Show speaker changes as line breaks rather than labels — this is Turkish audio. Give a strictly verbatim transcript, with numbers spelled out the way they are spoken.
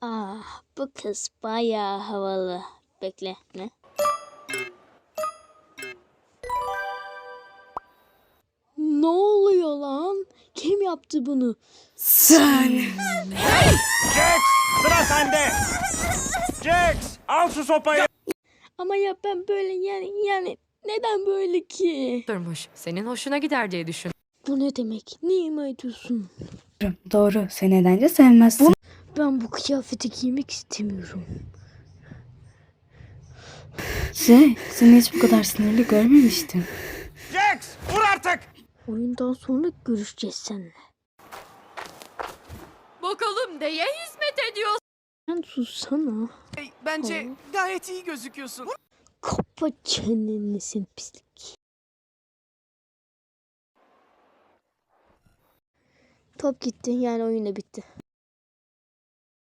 Ah, bu kız bayağı havalı. Bekle, ne? Ne oluyor lan? Kim yaptı bunu?
Sen.
Jax, sıra sende. Jax, al şu sopayı.
Ama ya ben böyle yani yani neden böyle ki?
Durmuş. Senin hoşuna gider diye düşün.
Bu ne demek? Niye ima ediyorsun?
Doğru. Sen nedence sevmezsin.
Ben bu kıyafeti giymek istemiyorum.
Şey, seni hiç bu kadar sinirli görmemiştim.
Jax, vur artık.
Oyundan sonra görüşeceğiz seninle.
Bakalım neye hizmet ediyor?
Sen sussana.
Hey, bence gayet iyi gözüküyorsun.
Kapa çeneni sen pislik. Top gitti yani oyun da bitti.